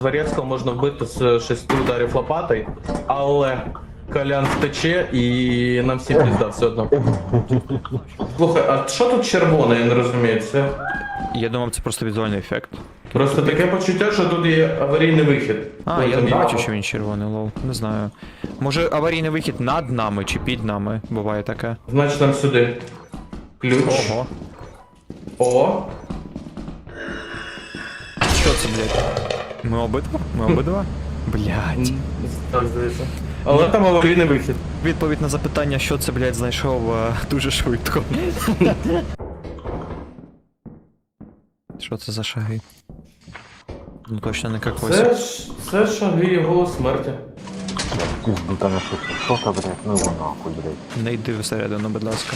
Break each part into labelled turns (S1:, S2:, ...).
S1: Дворецького можна вбити з 6 ударів лопатою, але Колян втече і нам всі пізда все одно. Слухай, а що тут червоне, я не розумію, це...
S2: Я думав, це просто візуальний ефект.
S1: Просто таке почуття, що тут є аварійний вихід.
S2: А, я не бачу, що він червоний, лол. Не знаю. Може аварійний вихід над нами чи під нами? Буває таке.
S1: Значить нам сюди. Ключ.
S2: Ого.
S1: О.
S2: Що це, блядь? Ми обидва? Ми обидва? Блядь.
S1: Так, здається. Але там аварійний вихід.
S2: Відповідь на запитання, що це, блядь, знайшов дуже швидко. Що це за шаги? Ну точно не какось.
S1: Це шаги його смерті.
S3: Пизду там что-то, блядь, ну его нахуй, блядь.
S2: Не йди всередину, будь ласка.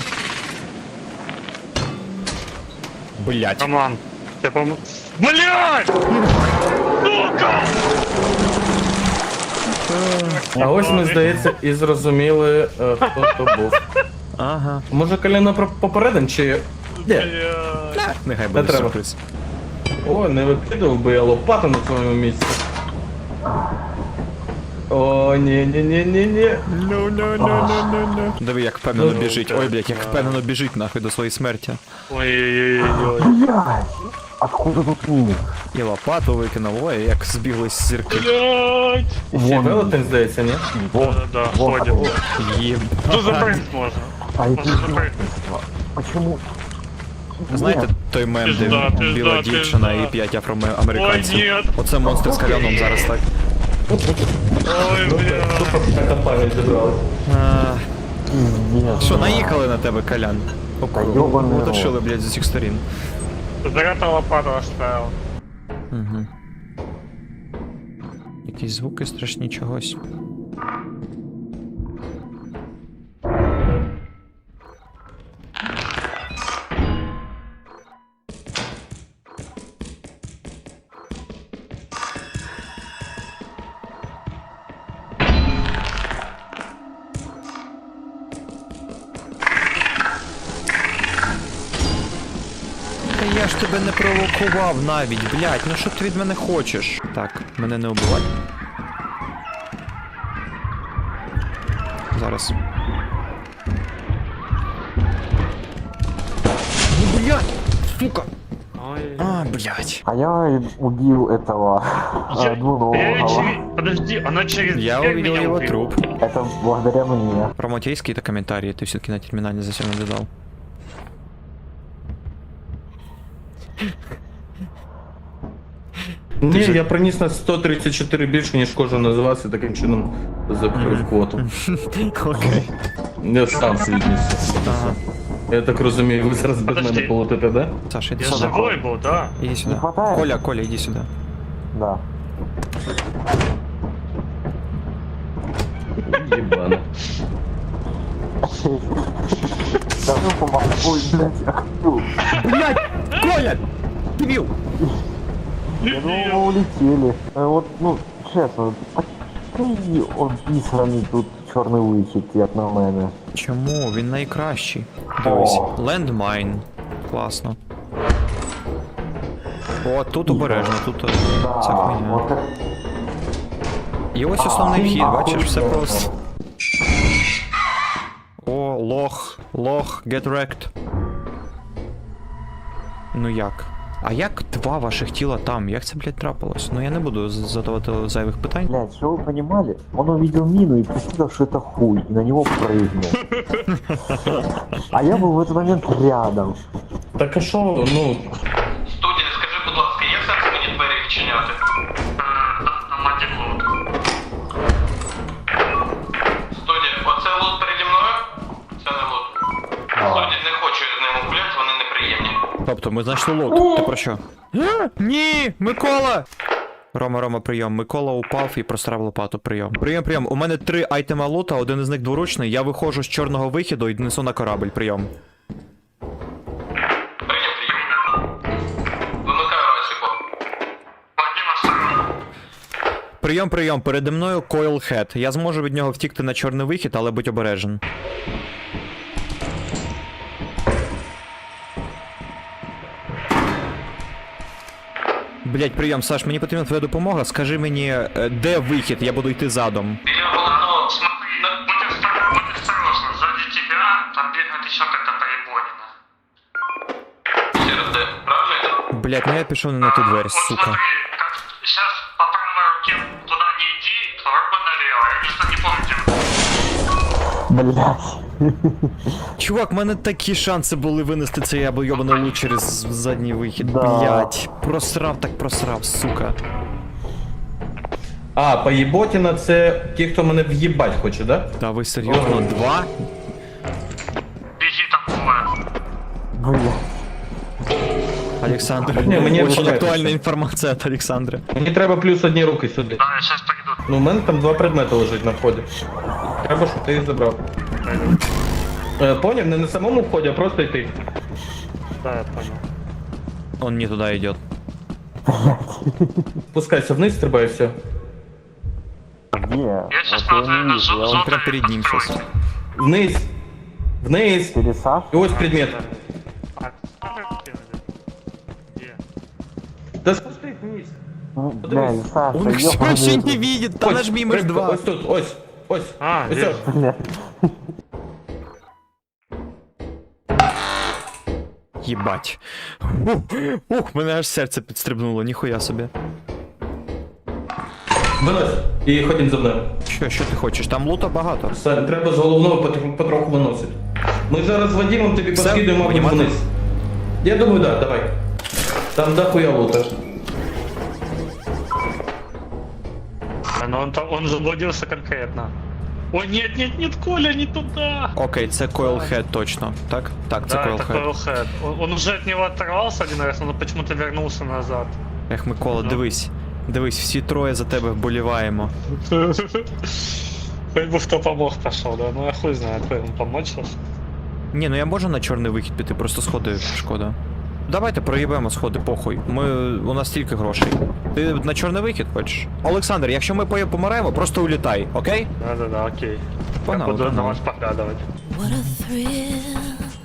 S2: Блядь.
S4: Роман, я помню. Блядь! Сука!
S1: А ось ми, здається, і зрозуміли, хто то був.
S2: Ага.
S1: Може Коляна попередим, чи... Ні.
S2: Нехай буде
S1: треба.
S2: сюрприз.
S1: О, не викидав би я лопату на твоєму місці. О, ні.
S2: Ну. Диви, як впевнено
S1: Ну,
S2: біжить.
S1: так.
S2: Ой, блядь, як впевнено біжить нахуй до своєї смерті.
S4: Ой-ой-ой-ой.
S3: Блядь! Откуда тут мини?
S2: І лопату викинув, ой, як збіглись зірки.
S4: Блядь!
S1: Ще велетень, здається, ні?
S4: Да, ходим.
S2: Єб.
S4: Тут запрыгнуть можно.
S3: А это
S4: Можно запрыгнуть.
S3: издевательство. Почему?
S2: Знаєте
S3: Нет.
S2: той мем, де
S4: Пізда, пізда,
S2: біла
S4: пізда.
S2: дівчина і 5 афроамериканців?
S4: Ой, ні.
S2: Оце монстр з Коляном зараз так.
S4: Ой, блядь.
S1: Така пам'ять зібралась.
S2: А,
S3: Пиздец.
S2: Що, наїхали на тебе, Колян?
S3: ёбаний
S2: Уточили, блядь, з усіх сторін.
S4: Заряда лопату оставил.
S2: Угу. Якісь звуки страшні чогось. Та я ж тебе не провокував навіть, блядь, ну що ти від мене хочеш? Так, мене не убивай. Зараз. Ну, блядь, сука!
S4: Ой.
S2: А, блядь.
S3: А я убил этого двуногого.
S4: Подожди, она через
S2: Я
S4: дверь
S2: увидел
S4: меня
S2: его
S4: убила.
S2: труп.
S3: Это благодаря мне.
S2: Промотей какие-то комментарии, ты все-таки на терминале зачем наблюдал?
S1: Ні, я приніс на 134 більше, ніж кожен називався, таким чином закрив квоту.
S2: Окей.
S1: Я сам свідніс.
S2: Ага.
S1: Я так розумію, ви зараз без мене
S4: Подожди.
S1: полетите, да?
S2: Саша, иди
S4: Я
S2: сюда.
S4: живой был, да.
S2: Иди сюда.
S3: Не хватает?
S2: Коля, Коля, иди сюда.
S3: Да.
S1: Єбано.
S3: Да ну помогу. Ой, блядь, я хочу.
S2: Блять! Коля! Дебил!
S3: Я думал, мы улетели. Вот, ну, честно, такий обісраний тут чорний вихід, як на мене.
S2: Чому? Він найкращий. Дивись. Лендмайн. Класно. О, тут обережно, тут ця
S3: Да,
S2: хуйня.
S3: вот так.
S2: І ось основний вхід, бачиш, все
S3: охуєнно.
S2: просто. О, лох, get wrecked. Ну як? А як два ваших тіла там? Як це, блядь, трапилось? Ну я не буду задавати зайвих питань.
S3: Блядь, что вы понимали? Он увидел мину и посчитал, что это хуй, и на него прыгнул. А я был в этот момент рядом.
S1: Так а що, ну...
S5: Студія, скажи, будь ласка, є сенс мені двері відчиняти?
S4: Мать лут.
S5: Студія, оце лут переді мною? Це не лут. Студія, не хочу з ними гуляти, вони неприємні.
S2: Тобто, ми знайшли лот. Ти про що? Ні! Микола! Рома, прийом. Микола упав і прострав лопату. Прийом. Прийом. У мене 3 айтема лута, один із них дворучний. Я виходжу з чорного вихіду і несу на корабль. Прийом.
S5: Прийом. Вимикаю рацію.
S2: Прийом. Переді мною Coilhead. Я зможу від нього втікти на чорний вихід, але будь обережен. Блять, прийом, Саш, мені потрібна твоя допомога. Скажи мені, де вихід, я буду йти задом.
S5: Или вот, ну, смотри, будь осторожен, сзади тебя там бегает еще какая-то поебонина. СРД, правильно?
S2: Блять, ну я пішов не на ту дверь,
S5: Вот
S2: сука.
S5: смотри, как сейчас по правой руке туда не иди, второй налево. Я просто не помню, где
S3: Блять.
S2: Чувак, в мене такі шанси були винести цей абойобаний лут через задній вихід.
S3: Да.
S2: Блять, просрав так просрав, сука.
S1: А, поєботіна це ті, хто мене в'їбать хоче, да?
S2: Та ви серйозно, два?
S5: беги там бывает.
S3: Блять.
S2: Олександр,
S1: Ні, мені
S2: дуже
S1: почекайте
S2: актуальна
S1: ще.
S2: інформація від Олександра.
S1: Мені треба плюс одні руки сюди.
S5: Да, я сейчас пойду.
S1: Ну, у мене там 2 предмети лежать на вході. Треба, щоб ти їх забрав. Поняв, не на самому вході, а просто йти.
S4: Да, я понял.
S2: Он не туди йде.
S1: Спускайся вниз, стрибай, і все.
S3: Где?
S5: Я сейчас
S3: Вот я
S5: смотрю
S3: не
S5: на
S3: вижу. Я
S2: он
S5: зону
S2: прям перед ним щас.
S5: постройки.
S1: Вниз. Вниз.
S3: Пересаж?
S1: І ось предмет.
S4: А, где?
S1: Да спустись вниз.
S3: Ну, блядь, Саша,
S2: Он все
S3: ёбаный
S2: ще
S3: рот.
S2: не видит, та нажми миш
S1: прыг-
S2: 2.
S1: Ось тут, ось. Ось.
S4: А,
S1: Ось.
S4: вижу.
S3: Блядь.
S2: Єбать. Ух, мене аж серце підстрибнуло, ніхуя собі.
S1: Винось. І ходім за мною.
S2: Що ти хочеш? Там лута багато.
S1: Все, треба з головного потроху виносити. Ми зараз з Вадимом тобі
S2: Все,
S1: поскидуємо мабуть,
S2: понімати?
S1: вниз. Я думаю, да, давай. Там дохуя лута.
S4: Но он заблудился конкретно. Ой, нет, Коля, не туда!
S2: Окей, це Coilhead точно. Так? Так, це
S4: Да, это
S2: Coilhead.
S4: Coilhead. Он уже от него оторвался один раз, но почему-то вернулся назад.
S2: Ех, Микола, дивись. Дивись, всі троє за тебе вболіваємо.
S4: Хоть бы кто помог пошел, да? Ну я хуй знает, кто ему помочь сейчас.
S2: Ні, ну я можу на чорний вихід піти, просто сходи шкода. Давайте проїбемо сходи, похуй. У нас стільки грошей. Ти на чорний вихід хочеш? Олександр, якщо ми помираємо, просто улітай, окей?
S4: Да, окей.
S2: Погнали,
S4: Я буду на
S2: погнали.
S4: вас поглядывать.
S6: What a thrill.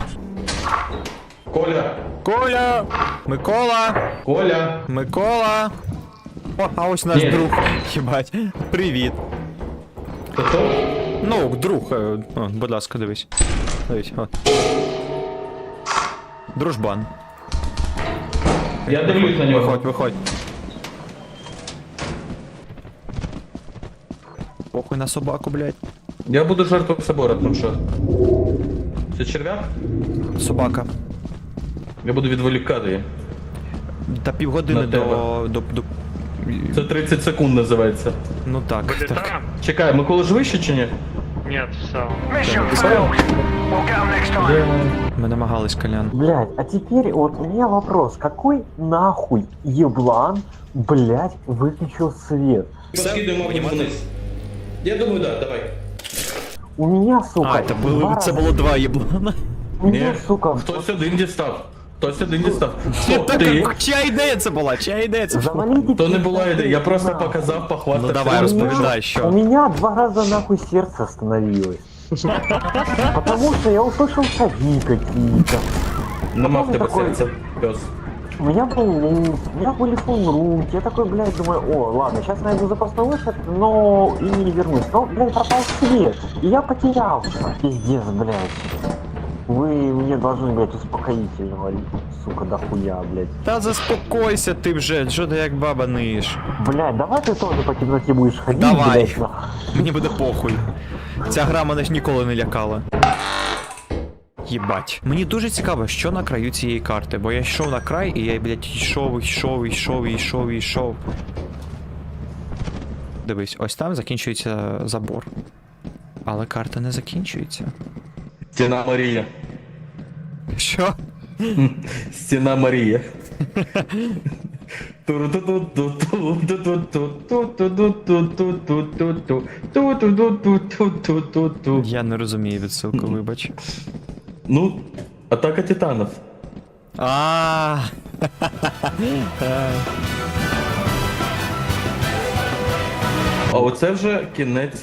S1: Коля!
S2: Коля! Микола!
S1: Коля!
S2: Микола! О, а ось наш
S1: Ні.
S2: друг. Єбать. Привіт.
S1: Готов?
S2: Ну, друг. О, будь ласка, дивись. Дивись, от. Дружбан.
S1: Я дивлюсь на нього.
S2: Виходь. Похуй на собаку, блядь.
S1: Я буду жертвою собора, там що? Це черв'як?
S2: Собака.
S1: Я буду відволікати її.
S2: Та півгодини
S1: На тебе.
S2: до...
S1: Це 30 секунд називається.
S2: Ну так. так.
S4: Вылетаем?
S1: Чекай, Микола ж вище чи ні?
S4: Нет, все.
S2: Ми намагались, Колян.
S3: Блядь, а теперь вот у меня вопрос. Какой нахуй еблан, блядь, выключил свет?
S1: Поскидуємо мабуть, вниз. Я думаю, да, давай.
S3: У меня, сука,
S2: А, це було два єблана.
S3: У меня,
S1: Ні,
S3: сука,
S1: хтось один дістав. Хтось один дістав. Хто?
S2: Так,
S1: Ти?
S2: чия ідея це була? Чия ідея це була?
S3: завалите.
S1: То не була ідея, я просто
S3: нахуй.
S1: показав, похвастався.
S2: Ну давай,
S3: У меня-
S2: розповідай,
S3: У
S2: що.
S3: меня 2 раза нахуй сердце остановилось. Потому что я услышал шаги какие-то.
S1: Нема в тебе
S3: Такой-
S1: серця, пес.
S3: У меня был лут, у меня были фунруки. Я такой, блядь, думаю, о, ладно, сейчас найду запасной выход, но и не вернусь. Но, блядь, пропал свет, и я потерялся. Пиздец, блядь. Вы мне должны, блядь, успокоительного, сука, дохуя, блядь.
S2: Та заспокойся ти вже, що ти як баба ниєш.
S3: Блядь, давай ты тоже по темноте будешь ходить,
S2: Давай.
S3: блядь, нахуй.
S2: Мені буде похуй. Ця гра мене ж ніколи не лякала. Єбать. Мені дуже цікаво, що на краю цієї карти, бо я йшов на край і я, блядь, йшов. Дивись, ось там закінчується забор. Але карта не закінчується.
S1: Стіна Марія.
S2: Що?
S1: Стіна Марія.
S2: Я не розумію відсилку, вибач.
S1: Ну, атака титанів.
S2: А.
S1: А оце вже кінець.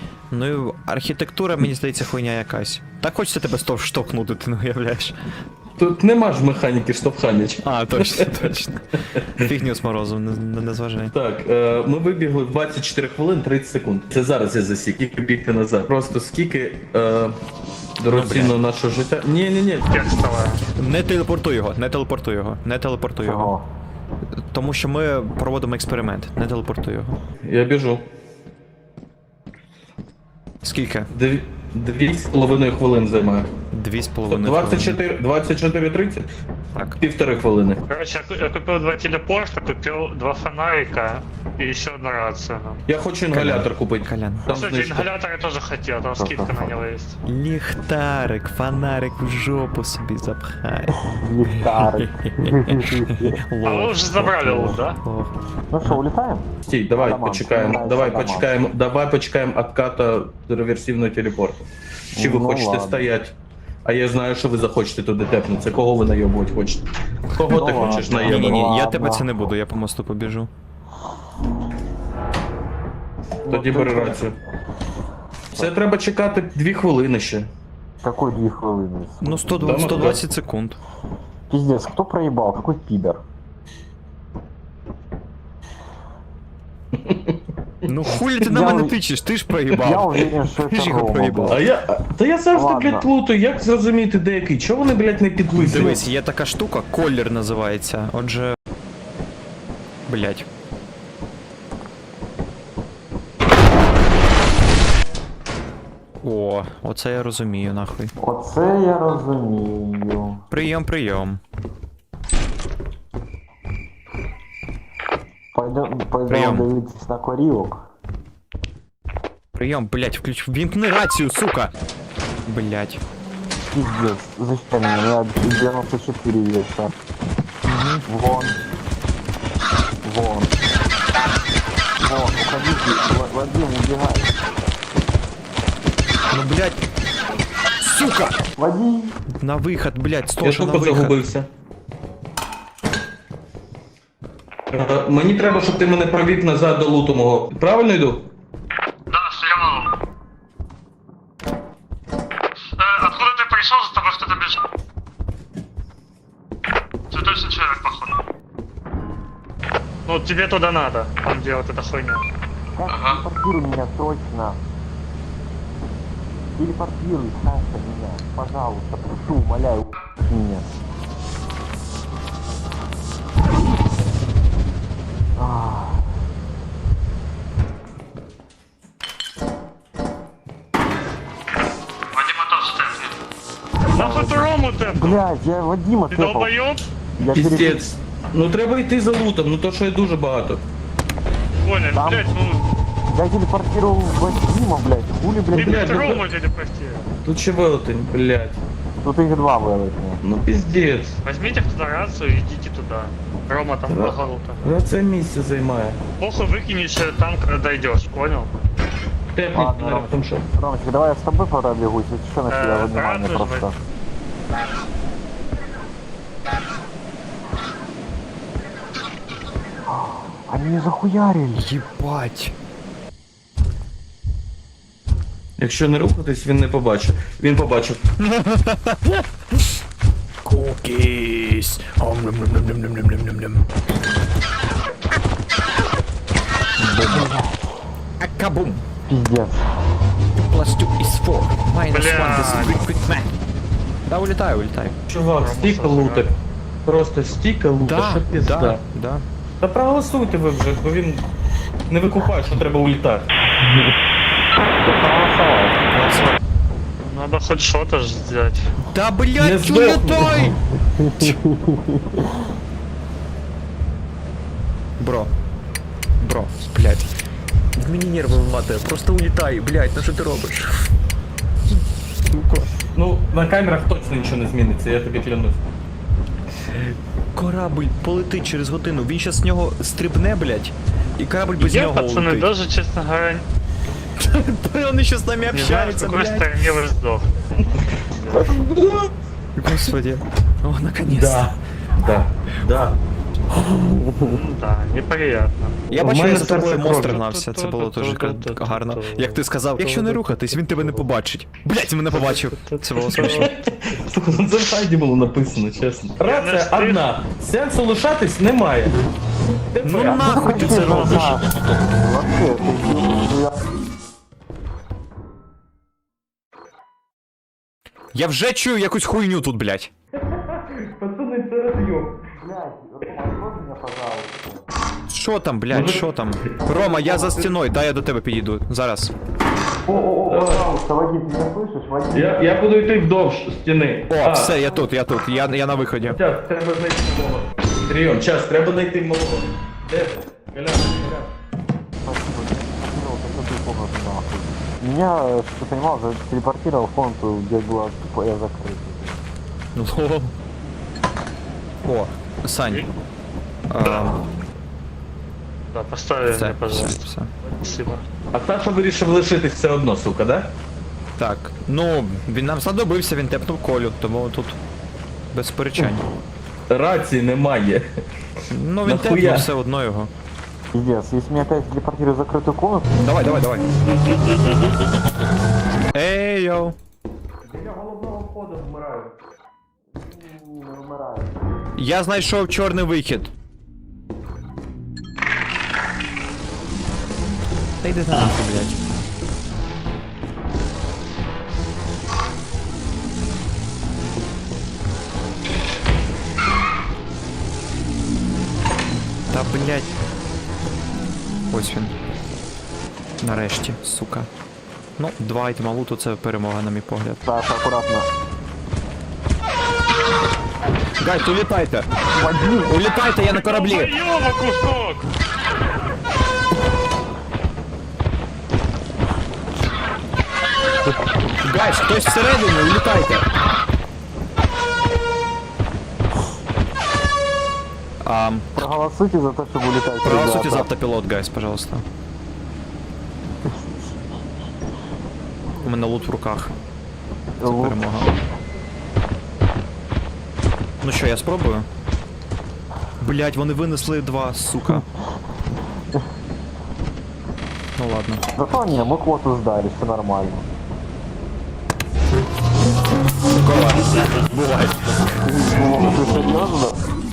S2: Ну, архітектура, мені здається, хуйня якась. Так хочеться тебе штовхнути, ти не уявляєш.
S1: Тут нема ж механіки штовхання.
S2: А, точно, точно. Фігню з морозом, не зважай.
S1: Так, ми вибігли в 24 хвилин 30 секунд. Це зараз я засік, скільки бігти назад. Просто скільки дорогоцінного нашого життя. Ні.
S4: Текстовая.
S2: Не телепортуй його, не телепортуй його, не телепортуй його.
S3: Чого?
S2: Тому що ми проводимо експеримент, не телепортуй його.
S1: Я біжу.
S2: Скільки?
S1: 2,5 хвилин займає.
S2: 2,5
S1: 24:30?
S2: Так.
S1: Півтори хвилини.
S4: Короче, я купил 2 телепорта, купил 2 фонарика и еще одну рацию.
S1: Я хочу інгалятор купити.
S2: Колян.
S1: Там
S4: Кстати,
S1: знижка.
S4: ингалятор я тоже хотел, там скидка на него есть.
S2: Ліхтарик, фонарик в жопу собі запхай.
S3: Ліхтарик.
S4: А вы уже забрали лут, да?
S2: Лох.
S3: Ну що, улітаємо?
S1: Стій, давай
S3: Адаман,
S1: почекаємо.
S3: Адаман.
S1: Давай почекаємо отката реверсивного телепорту. Чи ви
S3: Ну,
S1: хочете
S3: ладно.
S1: стоять? А я знаю, що ви захочете туди тепнутися. Кого ви найобувати хочете? Кого ти
S3: Ну,
S1: хочеш
S3: ладно.
S1: найобати?
S2: Ні-ні-ні, я
S3: Ладно.
S2: тебе це не буду, я по мосту побіжу.
S1: Тоді бери рацію. Це треба чекати 2 хвилини ще.
S3: Какой 2 хвилини?
S2: Ну,
S1: Дамо,
S2: 120 секунд.
S3: Пиздец, кто проебал? Какой пидор?
S2: Ну хулі ти на
S3: Я
S2: мене
S3: ув-
S2: тичеш, ти ж
S3: Я
S2: проїбав.
S3: уверен, что
S2: Ти ж
S3: это
S2: його
S3: Рома,
S2: проїбав.
S3: блядь.
S1: Та я завжди,
S3: Ладно.
S1: блядь, плутаю, як зрозуміти де який? Чого вони, блядь, не підписують?
S2: Дивись, є така штука, колір називається. Отже. Блять. О, оце я розумію, нахуй.
S3: Оце я розумію.
S2: Прийом, прийом.
S3: Пойдем
S2: Прийом.
S3: дивитись на корівок.
S2: Прийом, блять, вімкни рацію, сука! Блять.
S3: Пиздец, защитай меня, у меня 94 веса. Вон. Вон. Вон, уходите, Вадим, убегай.
S2: Ну блять. Сука!
S3: Вадим.
S2: На виход, блять,
S1: Я
S2: стоша на
S1: тупо
S2: виход.
S1: загубився. Мені треба, щоб ти мене провів назад до луту мого. Правильно йду?
S5: Да, слева. Откуда ты пришел, за тобой кто-то бежит? Цветочный человек, походу.
S4: Ну, тебе туда надо, там где вот эта хуйня.
S3: Как
S5: Ага.
S3: телепортируй меня срочно. Телепортируй, Саша, меня. Пожалуйста, прошу, умоляю, меня. Ах.
S5: Вадима тоже степнет.
S4: Нахуй ты Рому тэпнул?
S3: Блядь, я Вадима
S4: Ты
S3: тэпал.
S4: долбоёб?
S3: Я перед-
S1: Піздець. Ну треба йти за лутом, ну то що є дуже багато.
S4: Понял,
S3: Там-
S4: блядь, ну,
S3: Я телепортировал Вадима, блядь. Хули,
S4: ты,
S3: блядь,
S4: блядь,
S1: ну,
S4: Рому телепортируй.
S1: Тут ще велетень, блядь.
S3: тут их два вылетели.
S1: Ну піздець.
S4: Возьмите туда рацию и идите туда. Рома там
S1: Да.
S4: благолута.
S1: Це місце займає.
S4: Похуй выкинешь там, когда дойдешь, понял?
S1: Технік,
S3: Ладно, Ром.
S1: там що?
S3: Ромочка, давай я с тобой пробегусь, если что, на тебя внимание
S4: правда,
S3: просто. Они не захуярили.
S2: Єбать.
S1: Якщо не рухатись, він не побачить. Він побачив.
S2: Кукіс. Акабум.
S3: Пиздец.
S2: Plus 2 is 4. Minus 1
S4: Бля.
S2: is quick math. Да, улітаю, улітаю.
S1: Чувак, стільки луток. Просто стільки луток, що пізда.
S2: да.
S1: Та проголосуйте ви вже, бо він не викупає, що треба улітати.
S4: Надо хоть что-то ж сделать.
S2: Да,
S1: Не
S2: блядь,
S1: здохни.
S2: улетай! Бро. Бро, блядь. Мені нерви виматує, просто улітай, блядь, ну що ти робиш? Сука.
S1: Ну, на камерах точно нічого не зміниться, я тобі клянусь.
S2: Корабль полетить через годину, він щас з нього стрибне, блядь, і корабль без
S4: Я,
S2: нього
S4: пацаны,
S2: улетить.
S4: даже, честно говоря,
S2: Он еще с нами
S4: не знаю, в
S2: общается,
S4: какой
S2: блядь.
S4: стороне вы сдох.
S2: Господи. О, наконец-то.
S1: Да.
S4: Да, неприятно.
S2: Я
S1: В
S2: бачив,
S1: мене
S2: я за тобою
S1: серце
S2: монстр
S1: кров'ю.
S2: гнався, це було дуже гарно. Як ти сказав, якщо не рухатись, він тебе не побачить. Блять, мене побачив. Це було смішно.
S1: Слухай, ну це в хайді було написано, чесно. Рація одна. Сенсу лишатись немає.
S2: Ну нахуй ти це робиш?
S3: Вообще, ты...
S2: Я вже чую якусь хуйню тут, блять.
S1: Пацани, це розйом.
S3: Блядь, Рома, открой меня, пожалуйста.
S2: Що там, блять, що там? Рома, я за стіною, дай я до тебе підійду. Зараз.
S3: О, пожалуйста, Вадим, ты меня слышишь? Вадим.
S1: Я буду йти вдовж стіни.
S2: О, все, я тут, я на виході.
S1: Час, треба знайти малого. Прийом, час, треба знайти малого. Де ти? Колян, Колян.
S3: Спасибо, ты комнату нахуй. Меня, что ты понимал, телепортировал в комнату, где была тупая закрыта.
S2: Лол. О, Сань.
S4: Да, поставь
S2: Все,
S4: мне, пожалуйста.
S2: все.
S4: Спасибо.
S1: А Саша вирішив лишитись все одно, сука, да?
S2: Так, ну, він нам знадобився, він тепнув Колю, тому тут без сперечань.
S1: Рації немає.
S2: Ну, він
S1: Нахуя?
S2: тепнув все одно його.
S3: Пиздец, если меня опять телепортируют в закрытую комнату,
S2: Давай. Ей, йоу.
S1: Я головного входу вмираю.
S3: умираю.
S2: Я знайшов чорний вихід. Та йди нахуй, блядь. Та блядь. Ось він. Нарешті, сука. Ну, 2 айтема луту це перемога, на мій погляд.
S3: Саша, аккуратно.
S2: Гайд, улітайте! Улітайте, я на кораблі!
S4: Ёба, кусок!
S2: Гайд, хтось всередині, улітайте!
S3: Проголосуйте за то, чтобы улетать.
S2: Проголосуйте
S3: ребята.
S2: за автопилот, гайс, пожалуйста. У мене лут в руках. Це
S3: Лут.
S2: перемога. Ну що, я спробую? Блять, вони винесли 2, сука. Ну ладно.
S3: Зато не, мы квоту сдали, все нормально.
S2: Бувай.
S3: Ну, ты серьезно?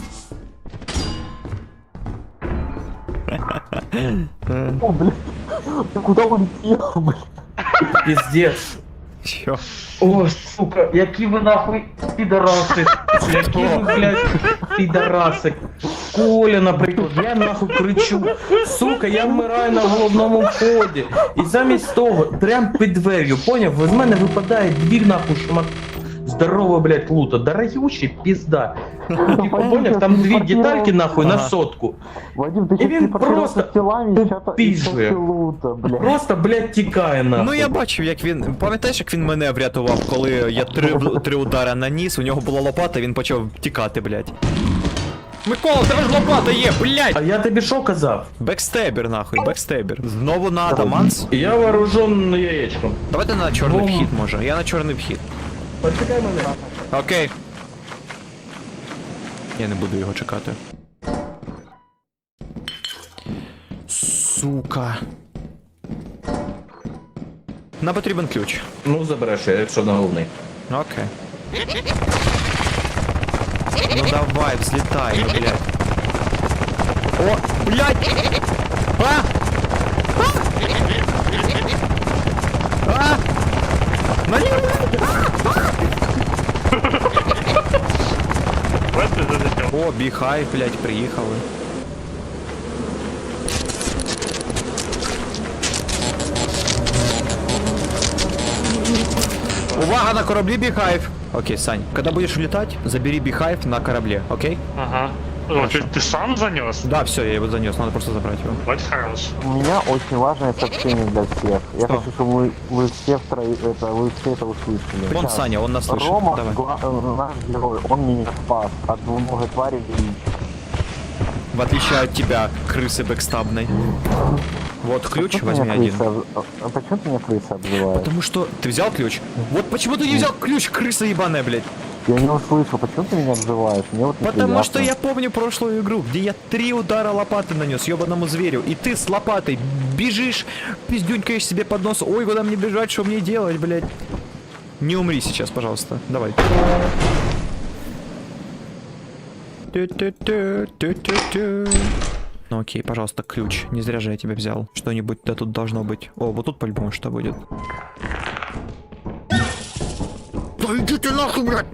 S3: О, блин. Ты куда улетел, блин?
S1: Піздець.
S2: Що?
S1: О, сука, які ви нахуй підараси. Які ви, блядь, підараси. Коля, наприклад, я нахуй кричу. Сука, я вмираю на головному вході. І замість того, прям під двер'ю, поняв? З мене випадає дві нахуй шмат. Здорово, блядь, лута. Дорогючий пізда. Типа, поняв, там дві детальки нахуй на сотку.
S3: Вадим, ты
S1: И
S3: сейчас
S1: він
S3: телепортировался
S1: просто
S3: с телами и
S1: пиздує.
S3: лута, блядь.
S1: Просто, блядь, тікає нахуй.
S2: Ну я бачив, як він. Пам'ятаєш, як він мене врятував, коли я 3 удара наніс, у нього була лопата, він почав тікати, блядь. Микола, в тебе ж лопата є,
S1: А
S2: блядь!
S1: я тобі що казав?
S2: Бекстебер, нахуй, бекстебер. Знову на Адаманс?
S1: Я вооружен яєчком.
S2: Давайте на чорний
S1: Бом.
S2: вхід, може. Я на чорний вхід.
S1: Почекай мене.
S2: Окей. Я не буду його чекати. Сука. Нам потрібен ключ.
S1: Ну, забереш, якщо на головний.
S2: Окей. Ну давай, взлетай, ну, блядь. О, блядь! А! А! Налево!
S4: Вот ты залетел.
S2: О, Біхай, блядь, приїхали. Увага, на кораблі Бихайв! Окей, Сань, когда будешь улетать, забери Бихайв на корабле, окей?
S4: Ага. О, ты сам занес?
S2: Да, все, я его занес, надо просто забрать его.
S4: Вот хорош.
S3: У меня очень важное сообщение для всех. Я
S2: Что?
S3: хочу, чтобы вы все вы все это услышали.
S2: Вон
S3: Сейчас.
S2: Саня, он нас слышит.
S3: Рома,
S2: Давай.
S3: наш герой, он меня спас от двуногой твари величия.
S2: В отличие от тебя, крысы бэкстабной. Вот ключ,
S3: Почему
S2: возьми
S3: меня
S2: один.
S3: почему ты меня крыса обзываешь?
S2: Потому что ты взял ключ? Вот почему ты не взял ключ, крыса ебаная, блядь?
S3: Я не услышал, почему ты меня обзываешь? Мне вот
S2: Потому
S3: неприятно.
S2: что я помню прошлую игру, где я 3 удара лопаты нанес ебаному зверю, и ты с лопатой бежишь, пиздюнькаешь себе под нос. Ой, куда мне бежать, что мне делать, блядь? Не умри сейчас, пожалуйста. Давай. Тю-тю-тю, тю-тю-тю. Ну окей, пожалуйста, ключ. Не зря же я тебя взял. Что-нибудь да тут должно быть. О, вот тут по-любому что будет. Да иди ты нахуй, блядь!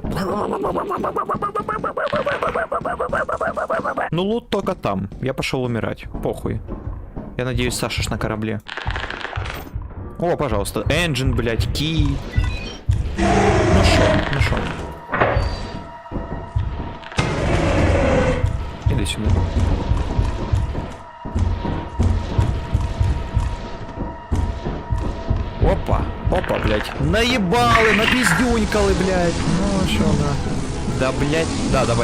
S2: Ну лут только там. Я пошел умирать. Похуй. Я надеюсь, Саша ж на корабле. О, пожалуйста. Engine, блядь, key. Ну шо. Иди сюда. Опа, блядь. Наебалы, напиздюнькалы, блядь. Ну, шо, на. Да, блядь. Да, давай.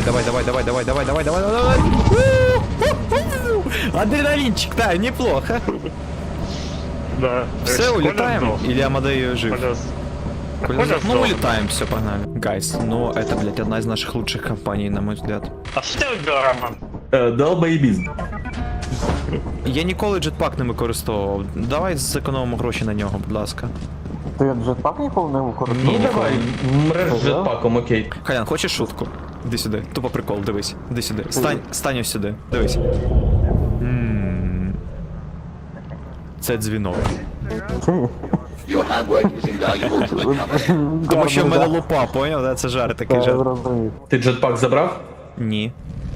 S2: Адреналинчик, да, неплохо.
S4: Да.
S2: Все, улетаем? Или Амадею жив?
S4: Коля
S2: Ну, улетаем, все, погнали. Гайс, ну, это, блядь, одна из наших лучших компаний, на мой взгляд.
S4: А що ти вибив, Роман?
S1: Долбоєбізм.
S2: Я ніколи джетпак не використовував. Давай зекономимо гроші на нього, будь ласка.
S3: Ты джетпак ніколи не використовував?
S1: Ні, давай, мреш з джетпаком, окей.
S2: Халян, хочеш шутку? Іди сюди, тупо прикол, дивись. Іди сюди. Стань ось сюди, дивись. Це дзвінок. Тому що в мене лупа, поняв? Да? Це жарт такий жарт.
S1: Ти джетпак забрав?
S2: Ні.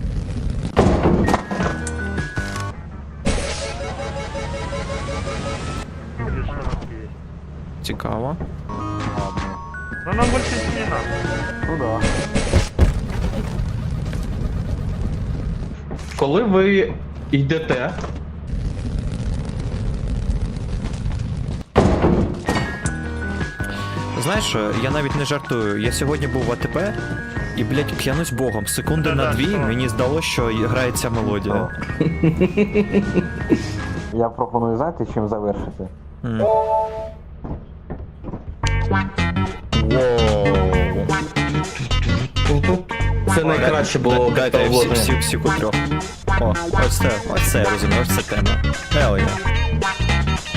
S2: Цікаво.
S4: Ну нам більше не надо.
S3: Ну да.
S1: Коли ви йдете,
S2: Знаєш що, я навіть не жартую. Я сьогодні був в АТП, і, блядь, клянусь богом, секунди на 2 мені здалося, що грає ця мелодія.
S3: Я пропоную, знаєте, чим завершити?
S1: це найкраще було
S2: Дайте
S1: вложення.
S2: всі трьох. О, ось це я розумію, ось це тема. Hell yeah.